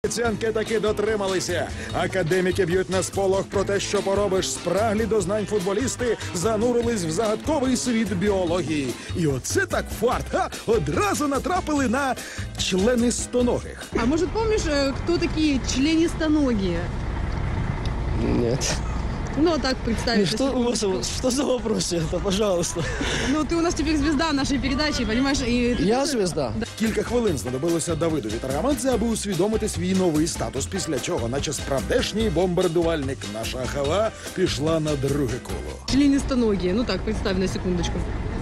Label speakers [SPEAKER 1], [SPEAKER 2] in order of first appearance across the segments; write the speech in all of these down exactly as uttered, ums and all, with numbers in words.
[SPEAKER 1] Обіцянки таки дотрималися. Академіки б'ють на сполох про те, що поробиш. Спраглі до знань футболісти занурились в загадковий світ біології. І оце так фарт. Ха! Одразу натрапили на членистоногих.
[SPEAKER 2] А может, помнишь, э, кто такие членистоногие?
[SPEAKER 3] Нет.
[SPEAKER 2] Ну, а так представить.
[SPEAKER 3] Что, Господи, что за вопрос это, пожалуйста?
[SPEAKER 2] Ну, ты у нас теперь звезда нашей передачи, понимаешь? И...
[SPEAKER 3] Я звезда?
[SPEAKER 1] Кілька хвилин знадобилося Давидові Таргамадзе, аби усвідомити свій новий статус, після чого, наче справдешній бомбардувальник, наша хава пішла на друге коло.
[SPEAKER 2] Членистоногие. Ну так, представь на секундочку.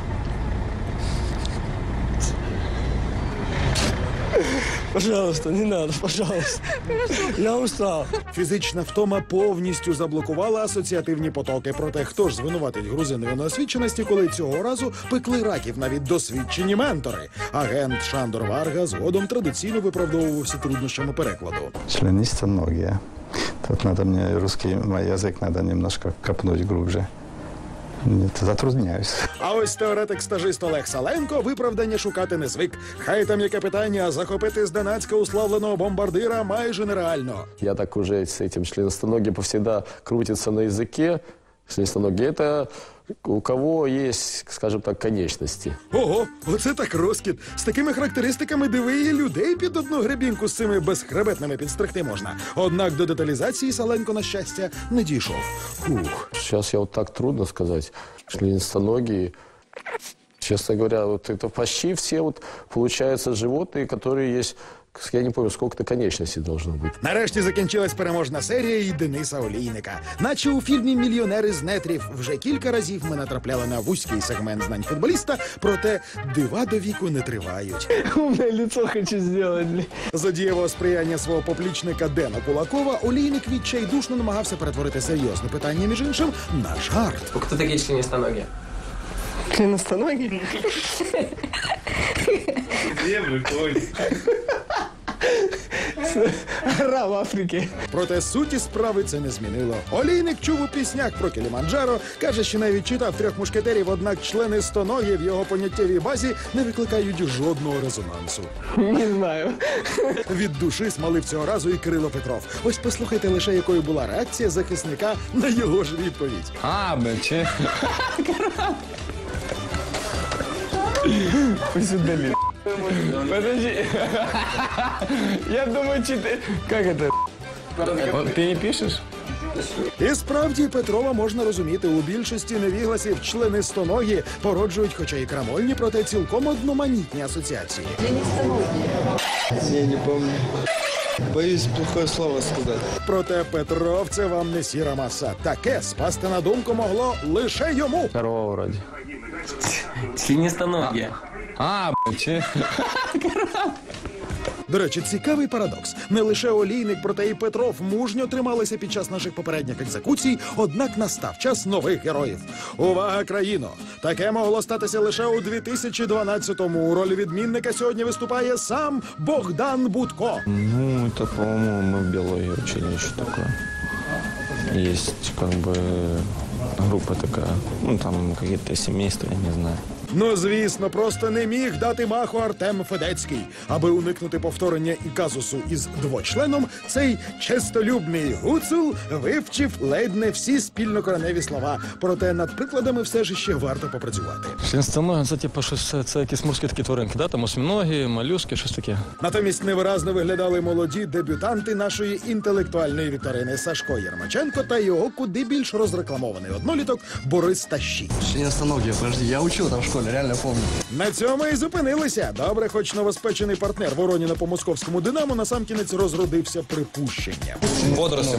[SPEAKER 3] Пожалуйста, не надо, пожалуйста. Я устал.
[SPEAKER 1] Фізична втома повністю заблокувала асоціативні потоки. Проте хто ж звинуватить грузинові неосвіченості, коли цього разу пекли раків навіть досвідчені ментори? Агент Шандор Варга згодом традиційно виправдовувався труднощами перекладу.
[SPEAKER 4] Членистоногие. Тут надо мне русский мой язык надо немножко копнуть глубже. Нет, затрудняюсь.
[SPEAKER 1] А ось теоретик-стажист Олег Саленко виправдання шукати не звик. Хай там яке питання, а захопити зненацька уславленого бомбардира майже нереально.
[SPEAKER 5] Я так уже с этим членистоногие повсегда крутится на языке. Членистоногие – это у кого есть, скажем так, конечности.
[SPEAKER 1] Ого, оце так розкіт. З такими характеристиками диви і людей під одну гребінку з цими безхребетними підстригти можна. Однак до деталізації Саленко, на щастя, не дійшов. Фух.
[SPEAKER 5] Сейчас я вот так трудно сказать. Членистоногие, честно говоря, вот это почти все вот, получается, животные, которые есть, я не помню, сколько-то конечностей должно быть.
[SPEAKER 1] Нарешті закінчилась переможна серія і Дениса Олійника. Наче у фільмі «Мільйонери з нетрів» вже кілька разів ми натрапляли на вузький сегмент знань футболіста, проте дива до віку не тривають.
[SPEAKER 3] Умное лицо хочу сделать.
[SPEAKER 1] За дієвого сприяння свого поплічника Дена Кулакова Олійник відчайдушно намагався перетворити серйозне питання, між іншим, на жарт.
[SPEAKER 6] Кто такие членистоногие?
[SPEAKER 3] Членистоногие? Гора в Африке.
[SPEAKER 1] Проте суті справи це не змінило. Олійник чув у піснях про Кіліманджаро, каже, що навіть читав «Трьох мушкетерів», однак членистоногі в його поняттєвій базі не викликають жодного резонансу.
[SPEAKER 3] Не знаю.
[SPEAKER 1] Від душі смалив цього разу і Кирило Петров. Ось послухайте лише, якою була реакція захисника на його ж відповідь.
[SPEAKER 7] А, бачи.
[SPEAKER 3] Пусть удали. Подожди. Я думаю, че ты... Как это? Ты не пишешь?
[SPEAKER 1] І справді Петрова можна розуміти. У більшості невігласів членистоногі породжують, хоча і крамольні, проте цілком одноманітні асоціації.
[SPEAKER 8] Я не помню. Боюсь плохое слово сказать.
[SPEAKER 1] Проте Петров – це вам не сіра маса. Таке спасти на думку могло лише йому.
[SPEAKER 5] Корова вроде.
[SPEAKER 6] Членистоногие.
[SPEAKER 7] А, бачи.
[SPEAKER 1] До речі, цікавий парадокс. Не лише Олійник, проте і Петров мужньо трималися під час наших попередніх екзекуцій, однак настав час нових героїв. Увага, країно! Таке могло статися лише у дві тисячі дванадцятому. У ролі відмінника сьогодні виступає сам Богдан Будко.
[SPEAKER 4] Ну, это, по-моему, мы в биологии учили еще такое. Есть, как бы, группа такая, ну, там какие-то семейства, я не знаю.
[SPEAKER 1] Ну, звісно, просто не міг дати маху Артем Федецький. Аби уникнути повторення і казусу із двочленом, цей честолюбний гуцул вивчив ледь не всі спільнокореневі слова. Проте над прикладами все ж ще варто попрацювати.
[SPEAKER 7] Членистоногие, це типу щось, це якісь морські такі тваринки, да? Там осьминогі, молюски, щось таке.
[SPEAKER 1] Натомість невиразно виглядали молоді дебютанти нашої інтелектуальної вікторини Сашко Єрмаченко та його куди більш розрекламований одноліток Борис Тащій.
[SPEAKER 8] Членистоногие, подожди, я учил там в школе, реально помню.
[SPEAKER 1] На цьому і зупинилися. Добре, хоч новоспечений партнер Вороніна по московському «Динамо» насамкінець розродився припущенням.
[SPEAKER 7] Водоросли.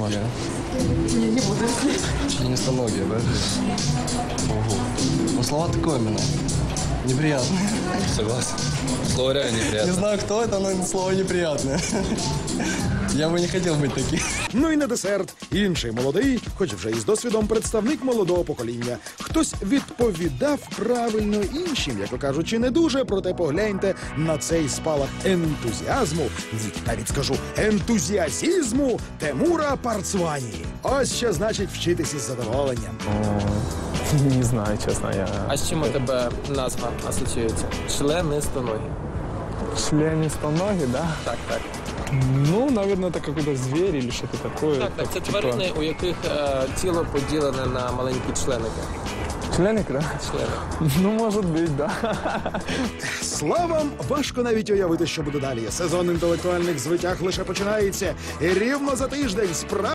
[SPEAKER 8] Членистоногие, да? Ого. Ну, слова такое именно. Неприятные.
[SPEAKER 7] Согласен. Слово реально
[SPEAKER 8] Не
[SPEAKER 7] неприятно.
[SPEAKER 8] знаю, кто это, но слово неприятное. Я бы не хотел быть таким.
[SPEAKER 1] Ну і на десерт. Інший молодий, хоч вже із досвідом, представник молодого покоління. Хтось відповідав правильно іншим, як кажучи, не дуже, проте погляньте на цей спалах ентузіазму, ні, навіть скажу, ентузіазізму Тимура Парцвані. Ось що значить вчитись із задоволенням.
[SPEAKER 3] Не знаю, честно, я...
[SPEAKER 6] А з чим у тебе назва асоціюється? Членистоногие.
[SPEAKER 3] Членистоногие, да?
[SPEAKER 6] Так, так.
[SPEAKER 3] Ну, наверное, это какой-то зверь или что-то такое.
[SPEAKER 6] Так, так, це
[SPEAKER 3] Типа
[SPEAKER 6] тварини, у яких е, тіло поділене на маленькі членики.
[SPEAKER 3] Членик, да?
[SPEAKER 6] Члени.
[SPEAKER 3] Ну, может быть, да.
[SPEAKER 1] Славам важко навіть уявити, що буде далі. Сезон інтелектуальних звитяг лише починається. І рівно за тиждень справа